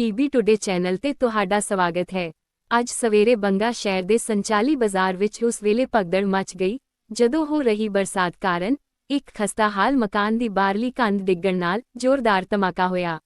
PB today channel ਤੇ ਤੁਹਾਡਾ ਸਵਾਗਤ ਹੈ। ਅੱਜ ਸਵੇਰੇ ਬੰਗਾ ਸ਼ਹਿਰ ਦੇ ਸੰਚਾਲੀ ਬਾਜ਼ਾਰ ਵਿੱਚ ਉਸ ਵੇਲੇ ਭਗਦੜ ਮਚ ਗਈ ਜਦੋਂ ਹੋ ਰਹੀ ਬਰਸਾਤ ਕਾਰਨ ਇੱਕ ਖਸਤਾਹਾਲ ਮਕਾਨ ਦੀ ਬਾਹਰਲੀ ਕੰਧ ਡਿੱਗਣ ਨਾਲ ਜ਼ੋਰਦਾਰ ਧਮਾਕਾ ਹੋਇਆ।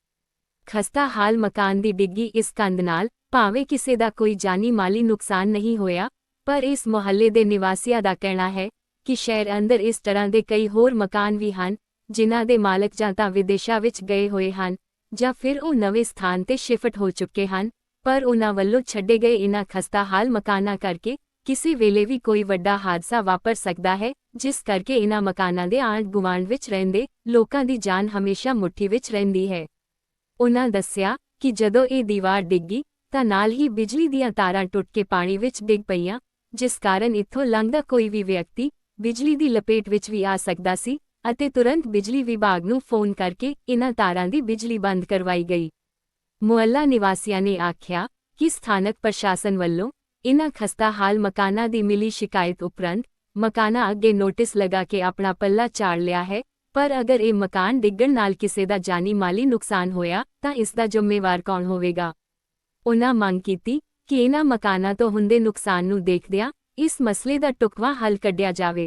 ਖਸਤਾਹਾਲ ਮਕਾਨ ਦੀ ਡਿੱਗੀ ਇਸ ਕੰਧ ਨਾਲ ਭਾਵੇਂ ਕਿਸੇ ਦਾ ਕੋਈ ਜਾਨੀ ਮਾਲੀ ਨੁਕਸਾਨ ਨਹੀਂ ਹੋਇਆ, ਪਰ ਇਸ ਮੁਹੱਲੇ ਦੇ ਨਿਵਾਸੀਆਂ ਦਾ ਕਹਿਣਾ ਹੈ ਕਿ ਸ਼ਹਿਰ ਅੰਦਰ ਇਸ ਤਰ੍ਹਾਂ ਦੇ ਕਈ ਹੋਰ ਮਕਾਨ ਵੀ ਹਨ ਜਿਨ੍ਹਾਂ ਦੇ ਮਾਲਕ ਜਾਂ ਤਾਂ ਵਿਦੇਸ਼ਾਂ ਵਿੱਚ ਗਏ ਹੋਏ ਹਨ ਜਾਂ ਫਿਰ ਉਹ ਨਵੇਂ ਸਥਾਨ ਤੇ ਸ਼ਿਫਟ ਹੋ ਚੁੱਕੇ ਹਨ, ਪਰ ਉਨ੍ਹਾਂ ਵੱਲੋਂ ਛੱਡੇ ਗਏ ਇਨ੍ਹਾਂ ਖਸਤਾਹਾਲ ਮਕਾਨਾਂ ਕਰਕੇ ਕਿਸੇ ਵੇਲੇ ਵੀ ਕੋਈ ਵੱਡਾ ਹਾਦਸਾ ਵਾਪਰ ਸਕਦਾ ਹੈ, ਜਿਸ ਕਰਕੇ ਇਨ੍ਹਾਂ ਮਕਾਨਾਂ ਦੇ ਆਂਢ ਗੁਆਂਢ ਵਿੱਚ ਰਹਿੰਦੇ ਲੋਕਾਂ ਦੀ ਜਾਨ ਹਮੇਸ਼ਾ ਮੁੱਠੀ ਵਿੱਚ ਰਹਿੰਦੀ ਹੈ। ਉਨ੍ਹਾਂ ਦੱਸਿਆ ਕਿ ਜਦੋਂ ਇਹ ਦੀਵਾਰ ਡਿੱਗੀ ਤਾਂ ਨਾਲ ਹੀ ਬਿਜਲੀ ਦੀਆਂ ਤਾਰਾਂ ਟੁੱਟ ਕੇ ਪਾਣੀ ਵਿੱਚ ਡਿੱਗ ਪਈਆਂ, ਜਿਸ ਕਾਰਨ ਇੱਥੋਂ ਲੰਘਦਾ ਕੋਈ ਵੀ ਵਿਅਕਤੀ ਬਿਜਲੀ ਦੀ ਲਪੇਟ ਵਿੱਚ ਵੀ ਆ ਸਕਦਾ ਸੀ ਅਤੇ ਤੁਰੰਤ ਬਿਜਲੀ ਵਿਭਾਗ ਨੂੰ ਫੋਨ ਕਰਕੇ ਇਨ੍ਹਾਂ ਤਾਰਾਂ ਦੀ ਬਿਜਲੀ ਬੰਦ ਕਰਵਾਈ ਗਈ। ਮੁਹੱਲਾ ਨਿਵਾਸੀਆਂ ਨੇ ਆਖਿਆ ਕਿ ਸਥਾਨਕ ਪ੍ਰਸ਼ਾਸਨ ਵੱਲੋਂ ਇਨ੍ਹਾਂ ਖਸਤਾਹਾਲ ਮਕਾਨਾਂ ਦੀ ਮਿਲੀ ਸ਼ਿਕਾਇਤ ਉਪਰੰਤ ਮਕਾਨਾਂ ਅੱਗੇ ਨੋਟਿਸ ਲਗਾ ਕੇ ਆਪਣਾ ਪੱਲਾ ਝਾੜ ਲਿਆ ਹੈ, ਪਰ ਅਗਰ ਇਹ ਮਕਾਨ ਡਿੱਗਣ ਨਾਲ ਕਿਸੇ ਦਾ ਜਾਨੀ ਮਾਲੀ ਨੁਕਸਾਨ ਹੋਇਆ ਤਾਂ ਇਸ ਦਾ ਜ਼ਿੰਮੇਵਾਰ ਕੌਣ ਹੋਵੇਗਾ। ਉਨ੍ਹਾਂ ਮੰਗ ਕੀਤੀ ਕਿ ਇਨ੍ਹਾਂ ਮਕਾਨਾਂ ਤੋਂ ਹੁੰਦੇ ਨੁਕਸਾਨ ਨੂੰ ਦੇਖਦਿਆਂ ਇਸ ਮਸਲੇ ਦਾ ਢੁਕਵਾਂ ਹੱਲ ਕੱਢਿਆ ਜਾਵੇ।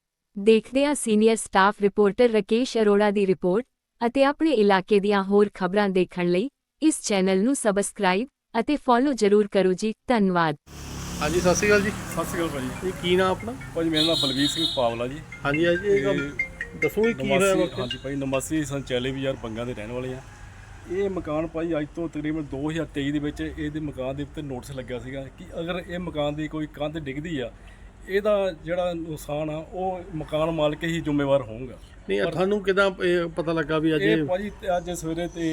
ਦੇਖਦੇ ਹਾਂ senior staff reporter Rakesh Arora ਦੀ ਰਿਪੋਰਟ, ਅਤੇ ਆਪਣੇ ਇਲਾਕੇ ਦੀਆਂ ਹੋਰ ਖਬਰਾਂ ਦੇਖਣ ਲਈ ਇਸ ਚੈਨਲ ਨੂੰ ਸਬਸਕ੍ਰਾਈਬ ਅਤੇ ਫੋਲੋ ਜ਼ਰੂਰ ਕਰੋ ਜੀ। ਧੰਨਵਾਦ। ਹਾਂਜੀ, ਸਤਿ ਸ਼੍ਰੀ ਅਕਾਲ ਜੀ। ਸਤਿ ਸ਼੍ਰੀ ਅਕਾਲ ਭਾਜੀ। ਇਹ ਕੀ ਨਾਮ ਆਪਣਾ? ਭਾਜੀ ਮੇਰਾ ਨਾਮ ਬਲਵੀਰ ਸਿੰਘ ਪਾਵਲਾ ਜੀ। ਹਾਂਜੀ ਹਾਂਜੀ, ਇਹ ਗੱਲ ਦੱਸੋ ਕੀ ਹੋਇਆ ਵਾਕਿਆ? ਹਾਂਜੀ ਭਾਈ, ਨਿਵਾਸੀ ਸੰਚਾਲੇ ਬਾਜ਼ਾਰ ਬੰਗਾ ਦੇ ਰਹਿਣ ਵਾਲੇ ਆ। ਇਹ ਮਕਾਨ ਭਾਈ ਅੱਜ ਤੋਂ ਤਕਰੀਬਨ 2023 ਦੇ ਵਿੱਚ ਇਹਦੇ ਮਕਾਨ ਦੇ ਉੱਤੇ ਨੋਟਿਸ ਲੱਗਿਆ ਸੀਗਾ ਕਿ ਅਗਰ ਇਹ ਮਕਾਨ ਦੀ ਕੋਈ ਕੰਧ ਡਿੱਗਦੀ ਆ, ਇਹਦਾ ਜਿਹੜਾ ਨੁਕਸਾਨ ਆ ਉਹ ਮਕਾਨ ਮਾਲਕ ਹੀ ਜ਼ਿੰਮੇਵਾਰ ਹੋਊਗਾ। ਨਹੀਂ, ਤੁਹਾਨੂੰ ਕਿਦਾਂ ਪਤਾ ਲੱਗਾ ਵੀ ਅੱਜ ਇਹ ਭਾਜੀ ਅੱਜ ਸਵੇਰੇ ਤੇ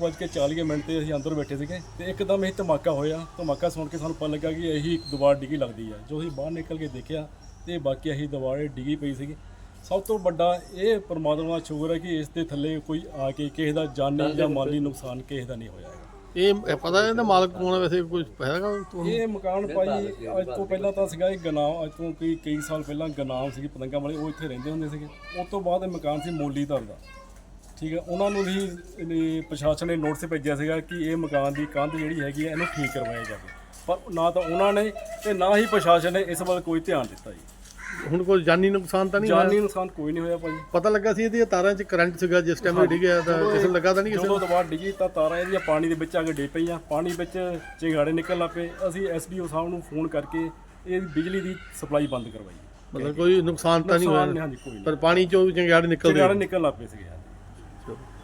8:40 ਤੇ ਅਸੀਂ ਅੰਦਰ ਬੈਠੇ ਸੀਗੇ ਤੇ ਇੱਕਦਮ ਇਹ ਧਮਾਕਾ ਹੋਇਆ। ਧਮਾਕਾ ਸੁਣ ਕੇ ਸਾਨੂੰ ਪਤਾ ਲੱਗਾ ਕਿ ਇਹੀ ਦੀਵਾਰ ਡਿੱਗੀ ਲੱਗਦੀ ਆ। ਜੋ ਅਸੀਂ ਬਾਹਰ ਨਿਕਲ ਕੇ ਦੇਖਿਆ ਤੇ ਬਾਕੀ ਇਹੀ ਦੀਵਾਰ ਡਿੱਗੀ ਪਈ ਸੀਗੀ। ਸਭ ਤੋਂ ਵੱਡਾ ਇਹ ਪਰਮਾਤਮਾ ਦਾ ਸ਼ੁਕਰ ਹੈ ਕਿ ਇਸ ਦੇ ਥੱਲੇ ਕੋਈ ਆ ਕੇ ਕਿਸੇ ਦਾ ਜਾਨੀ ਜਾਂ ਮਾਲੀ ਨੁਕਸਾਨ ਕਿਸੇ ਦਾ ਨਹੀਂ ਹੋਇਆ। ਇਹ ਪਤਾ ਇਹਦਾ ਮਾਲਕ ਕੌਣ ਹੈ ਵੈਸੇ, ਕੁਝ ਹੈਗਾ ਤੁਹਾਨੂੰ? ਇਹ ਮਕਾਨ ਭਾਈ ਅੱਜ ਤੋਂ ਪਹਿਲਾਂ ਤਾਂ ਸੀਗਾ ਇਹ ਗਨਾਮ, ਅੱਜ ਤੋਂ ਕਈ ਸਾਲ ਪਹਿਲਾਂ ਗਨਾਮ ਸੀਗੀ ਪਤੰਗਾਂ ਵਾਲੇ, ਉਹ ਇੱਥੇ ਰਹਿੰਦੇ ਹੁੰਦੇ ਸੀਗੇ। ਉਸ ਤੋਂ ਬਾਅਦ ਇਹ ਮਕਾਨ ਸੀ ਮੋਲੀਧਰ ਦਾ, ਠੀਕ ਹੈ। ਉਹਨਾਂ ਨੂੰ ਵੀ ਪ੍ਰਸ਼ਾਸਨ ਨੇ ਨੋਟਿਸ ਭੇਜਿਆ ਸੀਗਾ ਕਿ ਇਹ ਮਕਾਨ ਦੀ ਕੰਧ ਜਿਹੜੀ ਹੈਗੀ ਹੈ ਇਹਨੂੰ ਠੀਕ ਕਰਵਾਇਆ ਜਾਵੇ, ਪਰ ਨਾ ਤਾਂ ਉਹਨਾਂ ਨੇ ਤੇ ਨਾ ਹੀ ਪ੍ਰਸ਼ਾਸਨ ਨੇ ਇਸ ਵੱਲ ਕੋਈ ਧਿਆਨ ਦਿੱਤਾ ਜੀ। ਹੁਣ ਕੋਈ ਜਾਨੀ ਨੁਕਸਾਨ ਤਾਂ ਨਹੀਂ ਹੋਇਆ? ਜਾਨੀ ਨੁਕਸਾਨ ਕੋਈ ਨਹੀਂ ਹੋਇਆ ਭਾਜੀ। ਪਤਾ ਲੱਗਾ ਸੀ ਇਹਦੀਆਂ ਤਾਰਾਂ 'ਚ ਕਰੰਟ ਸੀਗਾ ਜਿਸ ਟਾਈਮ ਇਹ ਡਿੱਗਿਆ, ਤਾਂ ਕਿਸੇ ਨੂੰ ਲੱਗਾ ਤਾਂ ਨਹੀਂ? ਕਿਸੇ ਜਦੋਂ ਦੀਵਾਰ ਡਿੱਗੀ ਤਾਂ ਤਾਰਾਂ ਇਹਦੀਆਂ ਪਾਣੀ ਦੇ ਵਿੱਚ ਆ ਕੇ ਡਿੱਗ ਪਈਆਂ, ਪਾਣੀ ਵਿੱਚ ਚਿੰਗਾੜੇ ਨਿਕਲਣ ਲੱਗ ਪਏ। ਅਸੀਂ ਐਸਡੀਓ ਸਾਹਿਬ ਨੂੰ ਫੋਨ ਕਰਕੇ ਇਹ ਬਿਜਲੀ ਦੀ ਸਪਲਾਈ ਬੰਦ ਕਰਵਾਈ। ਮਤਲਬ ਕੋਈ ਨੁਕਸਾਨ ਤਾਂ ਨਹੀਂ ਹੋਇਆ? ਹਾਂਜੀ ਕੋਈ ਨਹੀਂ, ਪਰ ਪਾਣੀ 'ਚੋਂ ਚੰਗਿਆੜੇ ਨਿਕਲਦੇ ਚਿੰਗਾੜੇ ਨਿਕਲਣ ਲੱਗ ਪਏ ਸੀਗੇ।